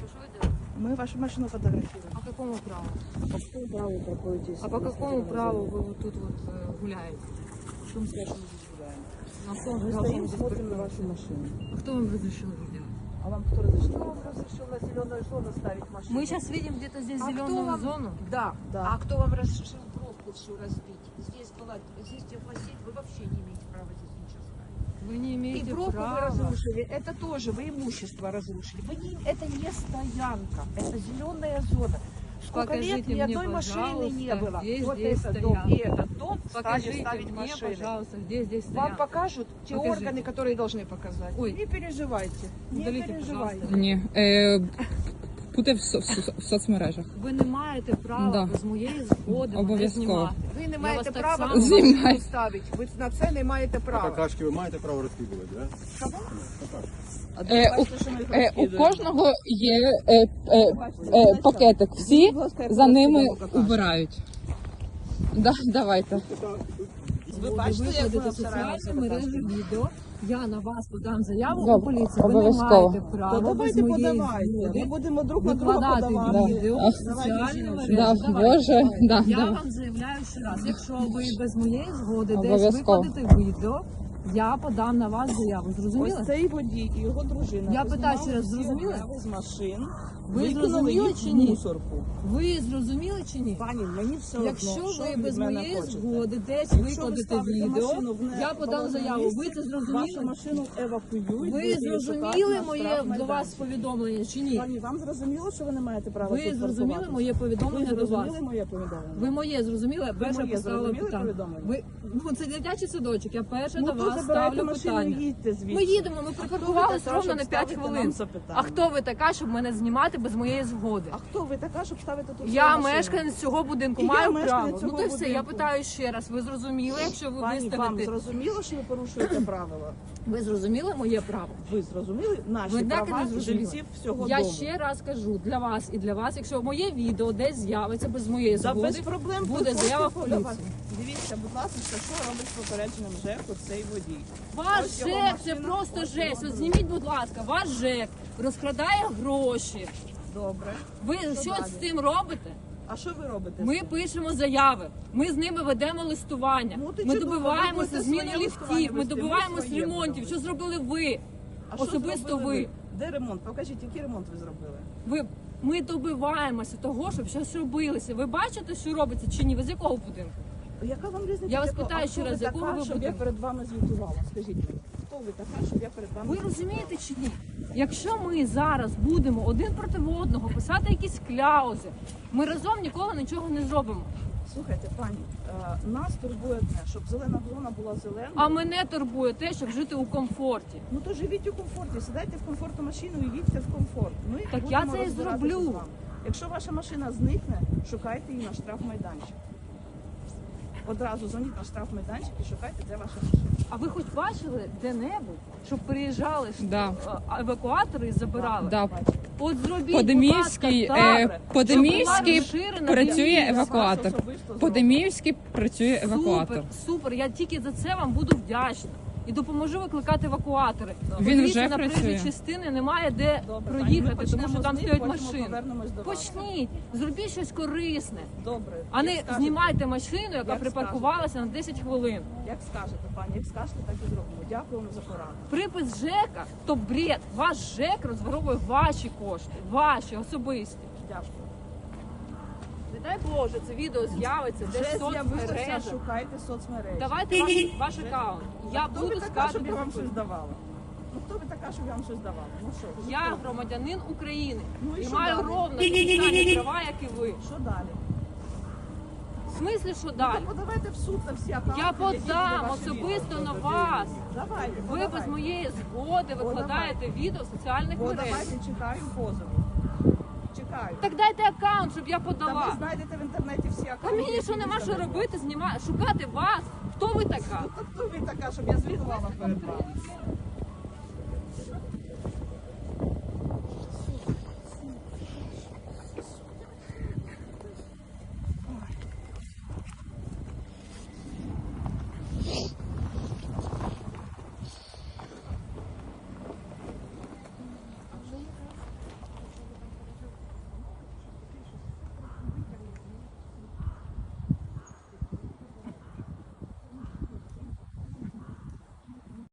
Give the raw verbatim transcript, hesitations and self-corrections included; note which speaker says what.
Speaker 1: Что вы делаете?
Speaker 2: Мы вашу машину фотографируем.
Speaker 1: А по какому праву?
Speaker 2: По какому праву проходите?
Speaker 1: А по какому праву вы вот тут вот э, гуляете?
Speaker 2: Что мы скажем, мы здесь гуляем?
Speaker 1: На что
Speaker 2: Мы
Speaker 1: вы
Speaker 2: стоим,
Speaker 1: здесь
Speaker 2: смотрим на
Speaker 1: паркуетесь?
Speaker 2: вашу машину.
Speaker 1: А кто вам разрешил это делать?
Speaker 2: А вам кто разрешил? Кто вам разрешил на зеленую зону ставить машину?
Speaker 1: Мы сейчас видим где-то здесь
Speaker 3: А кто
Speaker 1: зеленую
Speaker 3: вам-
Speaker 1: зону.
Speaker 3: Да.
Speaker 2: Да.
Speaker 3: А кто вам разрешил пробку всю разбить? Здесь была, здесь теплосеть, вы вообще не имеете права здесь ничего ставить.
Speaker 1: Вы не имеете
Speaker 3: И пробку
Speaker 1: права.
Speaker 3: вы разрушили, это тоже, вы имущество разрушили. Вы не, это не стоянка, это зеленая зона. Сколько
Speaker 1: Покажите
Speaker 3: лет ни
Speaker 1: мне,
Speaker 3: одной машины не
Speaker 1: пожалуйста,
Speaker 3: было.
Speaker 1: где
Speaker 3: Вот
Speaker 1: здесь
Speaker 3: этот дом
Speaker 1: стоянка.
Speaker 3: и этот дом стали
Speaker 1: Покажите
Speaker 3: ставить
Speaker 1: мне,
Speaker 3: машины.
Speaker 1: пожалуйста, где здесь
Speaker 3: Вам
Speaker 1: стоянка.
Speaker 3: покажут те
Speaker 1: Покажите.
Speaker 3: органы, которые должны показать.
Speaker 1: Ой.
Speaker 3: Не переживайте, не
Speaker 1: Удалите,
Speaker 3: переживайте.
Speaker 1: пожалуйста.
Speaker 4: Ні, е, буде в, со- в, со- в соцмережах.
Speaker 1: Ви не маєте права
Speaker 4: Да.
Speaker 1: без моєї згоди мене
Speaker 4: Обов'язково.
Speaker 1: знімати.
Speaker 3: Ви не
Speaker 1: Я
Speaker 3: маєте
Speaker 1: вас так
Speaker 3: права
Speaker 1: само-
Speaker 3: тут
Speaker 4: Знімай.
Speaker 3: машину ставити. Ви на це не маєте
Speaker 5: А
Speaker 3: права.
Speaker 5: какашки ви маєте право розкидувати, да?
Speaker 4: Е, у, е, у кожного є е, е, е, пакетик. Всі за ними убирають. Да, давайте.
Speaker 3: Ви бачите, як
Speaker 1: Виходите
Speaker 3: вона
Speaker 1: в соціальні
Speaker 3: старається
Speaker 1: мережі відео. Я на вас подам заяву у
Speaker 4: Добре,
Speaker 1: поліцію. Ви не
Speaker 4: обов'язково.
Speaker 1: маєте
Speaker 2: То
Speaker 1: права без
Speaker 2: давайте
Speaker 1: моєї
Speaker 2: подавайте. Ми
Speaker 1: згоди
Speaker 2: будемо друг на друга
Speaker 1: викладати
Speaker 2: подавати.
Speaker 1: відео
Speaker 4: Да.
Speaker 1: в соціальні мережі.
Speaker 4: Да,
Speaker 1: Давайте.
Speaker 4: Боже, да,
Speaker 1: Я
Speaker 4: да.
Speaker 1: вам заявляю ще раз, якщо ви без моєї згоди десь
Speaker 4: Обов'язково.
Speaker 1: викладете відео, я подам на вас заяву. Зрозуміли?
Speaker 2: Ось цей водій і його дружина.
Speaker 1: Я
Speaker 2: познімали
Speaker 1: питаю ще раз,
Speaker 2: всі
Speaker 1: зрозуміли?
Speaker 2: обяви з машин.
Speaker 1: Ви
Speaker 2: викинули
Speaker 1: зрозуміли
Speaker 2: їх
Speaker 1: чи
Speaker 2: в
Speaker 1: ні?
Speaker 2: мусорку.
Speaker 1: Ви зрозуміли чи ні?
Speaker 2: Пані, мені все одно,
Speaker 1: Якщо
Speaker 2: що
Speaker 1: ви
Speaker 2: від
Speaker 1: без
Speaker 2: мене
Speaker 1: моєї
Speaker 2: хочете.
Speaker 1: згоди десь
Speaker 2: Якщо ви
Speaker 1: викладете
Speaker 2: ставите
Speaker 1: відео,
Speaker 2: машину в
Speaker 1: я подам
Speaker 2: неположене
Speaker 1: заяву. Ви
Speaker 2: місце,
Speaker 1: це
Speaker 2: вашу
Speaker 1: зрозуміли?
Speaker 2: машину евакуюють.
Speaker 1: Ви
Speaker 2: будете її шукати
Speaker 1: зрозуміли
Speaker 2: на
Speaker 1: моє
Speaker 2: штрафмайданчик.
Speaker 1: до вас повідомлення чи ні?
Speaker 2: Пані, вам зрозуміло, що ви не маєте права
Speaker 1: Ви
Speaker 2: тут
Speaker 1: зрозуміли
Speaker 2: паркуватися?
Speaker 1: моє
Speaker 2: Ви
Speaker 1: повідомлення до вас?
Speaker 2: зрозуміли моє повідомлення?
Speaker 1: Ви моє зрозуміли? Я перша
Speaker 2: моє
Speaker 1: поставила
Speaker 2: зрозуміли
Speaker 1: питання.
Speaker 2: повідомлення?
Speaker 1: Ви ну це дитячий садочок. Я перша
Speaker 2: Ну,
Speaker 1: до
Speaker 2: то
Speaker 1: вас
Speaker 2: забирайте
Speaker 1: ставлю
Speaker 2: машину
Speaker 1: питання.
Speaker 2: і їдьте звідси.
Speaker 1: Ми їдемо, ми припаркувалися
Speaker 2: така,
Speaker 1: ровно
Speaker 2: щоб
Speaker 1: на п'ять
Speaker 2: ставити
Speaker 1: хвилин.
Speaker 2: нам запитання?
Speaker 1: А хто ви така, щоб мене знімати без моєї згоди?
Speaker 2: А хто ви така, щоб ставити тут
Speaker 1: Я
Speaker 2: свою машину?
Speaker 1: мешканець цього будинку,
Speaker 2: І я
Speaker 1: маю
Speaker 2: мешканець
Speaker 1: право. Ну
Speaker 2: цього
Speaker 1: то й все, я
Speaker 2: будинку.
Speaker 1: питаю ще раз. Ви зрозуміли, якщо ви
Speaker 2: Пані, вам
Speaker 1: виставите?
Speaker 2: зрозуміло, що ви порушуєте правила?
Speaker 1: Ви зрозуміли моє право?
Speaker 2: Ви зрозуміли наші
Speaker 1: Ви так і
Speaker 2: права
Speaker 1: не зрозуміли.
Speaker 2: жильців всього
Speaker 1: Я
Speaker 2: дому?
Speaker 1: ще раз кажу для вас і для вас, якщо моє відео десь з'явиться без моєї
Speaker 2: За
Speaker 1: згоди,
Speaker 2: без проблем
Speaker 1: буде
Speaker 2: приходьте
Speaker 1: заява в
Speaker 2: подавати.
Speaker 1: поліцію.
Speaker 2: Дивіться, будь ласка, що робить з попередженим ЖЕКу цей водій.
Speaker 1: Ваш
Speaker 2: Ось його
Speaker 1: ЖЕК це
Speaker 2: машина,
Speaker 1: просто
Speaker 2: ось
Speaker 1: жесть.
Speaker 2: його
Speaker 1: От зніміть, будь ласка, ваш ЖЕК розкрадає гроші.
Speaker 2: Добре.
Speaker 1: Ви
Speaker 2: Що
Speaker 1: що
Speaker 2: далі?
Speaker 1: з цим робите?
Speaker 2: А що ви робите?
Speaker 1: Ми пишемо заяви, ми з ними ведемо листування.
Speaker 2: Ну, ти
Speaker 1: Ми
Speaker 2: чудово, ви
Speaker 1: добиваємося
Speaker 2: будете
Speaker 1: зміни
Speaker 2: своє листування
Speaker 1: ліфтів, ми
Speaker 2: вести, ми
Speaker 1: добиваємось
Speaker 2: своє
Speaker 1: ремонтів.
Speaker 2: будемо.
Speaker 1: Що зробили ви?
Speaker 2: А що
Speaker 1: Особисто
Speaker 2: зробили
Speaker 1: ви.
Speaker 2: Де ремонт? Покажіть, який ремонт ви зробили?
Speaker 1: Ви ми добиваємося того, щоб щось робилося. Ви бачите, що робиться чи ні? Ви з якого будинку?
Speaker 2: Яка вам різниця?
Speaker 1: Я вас
Speaker 2: якого?
Speaker 1: питаю
Speaker 2: А
Speaker 1: ще
Speaker 2: хто
Speaker 1: раз,
Speaker 2: ви
Speaker 1: якого
Speaker 2: така,
Speaker 1: ви
Speaker 2: щоб я
Speaker 1: будинку?
Speaker 2: перед вами звітувала? Скажіть мені, хто ви така, щоб я перед вами
Speaker 1: Ви розумієте чи ні? Якщо ми зараз будемо один проти одного писати якісь кляузи, ми разом ніколи нічого не зробимо.
Speaker 2: Слухайте, пані, е, нас турбує одне, щоб зелена зона була зеленою.
Speaker 1: А мене турбує те, щоб жити у комфорті.
Speaker 2: Ну то живіть у комфорті, сідайте в комфортну машину і їдьте в комфорт. Ми
Speaker 1: Так
Speaker 2: будемо
Speaker 1: я це і
Speaker 2: розбиратися
Speaker 1: зроблю.
Speaker 2: з вами. Якщо ваша машина зникне, шукайте її на штрафмайданчик. Одразу дзвоніть на штрафмайданчик і шукайте, де ваша машина.
Speaker 1: А ви хоч бачили де-небудь, щоб приїжджали ж,
Speaker 4: Да.
Speaker 1: е, евакуатори і забирали?
Speaker 4: Да.
Speaker 1: От зробіть,
Speaker 4: По-Деміївській,
Speaker 1: будь ласка,
Speaker 4: е,
Speaker 1: так,
Speaker 4: По-Деміївській
Speaker 1: щоб була розширена
Speaker 4: працює
Speaker 1: лінія.
Speaker 4: евакуатор.
Speaker 2: Вас особисто
Speaker 4: По-Деміївській працює евакуатор.
Speaker 1: Супер, супер. Я тільки за це вам буду вдячна. І допоможу викликати евакуатори.
Speaker 4: Він
Speaker 1: Подивіться,
Speaker 4: вже
Speaker 1: на
Speaker 4: працює.
Speaker 1: проїжджій частини немає де
Speaker 2: Добре, пані, ми
Speaker 1: проїхати, тому
Speaker 2: почнемо
Speaker 1: що там
Speaker 2: з них,
Speaker 1: стоять
Speaker 2: потім
Speaker 1: машини.
Speaker 2: повернемось до вас.
Speaker 1: Почніть, зробіть щось корисне,
Speaker 2: Добре.
Speaker 1: а
Speaker 2: Як
Speaker 1: не
Speaker 2: скажете.
Speaker 1: знімайте машину, яка
Speaker 2: Як
Speaker 1: припаркувалася на десять хвилин.
Speaker 2: Як скажете, пані, як скажете, так і зробимо. Дякуємо за пораду.
Speaker 1: Припис ЖЕКа – то бред. Ваш ЖЕК розворовує ваші кошти, ваші, особисті.
Speaker 2: Дякую.
Speaker 1: Не дай Боже, це відео з'явиться
Speaker 2: Вже
Speaker 1: десь в
Speaker 2: з'явилося,
Speaker 1: соцмережах.
Speaker 2: шукайте соцмережі.
Speaker 1: Давайте ваш, ваш аккаунт. Я
Speaker 2: Хто ви
Speaker 1: буду
Speaker 2: така,
Speaker 1: скати.
Speaker 2: щоб я вам щось давала? Ну хто ви така, щоб я вам щось давала? Ну що? ну,
Speaker 1: Я
Speaker 2: хто?
Speaker 1: громадянин України
Speaker 2: Ну, і
Speaker 1: і
Speaker 2: що
Speaker 1: маю
Speaker 2: далі?
Speaker 1: ровно такі самі права, як і ви.
Speaker 2: Що далі?
Speaker 1: В смислі, що
Speaker 2: Ну,
Speaker 1: далі?
Speaker 2: то подавайте в суд на всі аккаунти.
Speaker 1: Я
Speaker 2: які були
Speaker 1: подам
Speaker 2: ваші
Speaker 1: особисто
Speaker 2: відео.
Speaker 1: на вас.
Speaker 2: Давайте,
Speaker 1: Ви
Speaker 2: подавайте.
Speaker 1: без моєї згоди викладаєте відео в соціальних
Speaker 2: Бо
Speaker 1: мережах.
Speaker 2: давайте чекаю позову. Чекаю.
Speaker 1: Так дайте аккаунт, щоб я
Speaker 2: Та ви
Speaker 1: подала.
Speaker 2: знайдете в інтернеті всі
Speaker 1: А
Speaker 2: аккаунти.
Speaker 1: мені що
Speaker 2: які
Speaker 1: нема
Speaker 2: ви
Speaker 1: що
Speaker 2: там
Speaker 1: робити, знімати, шукати вас. Хто ви така?
Speaker 2: Ну, то хто ви така, щоб я звітувала перед вами?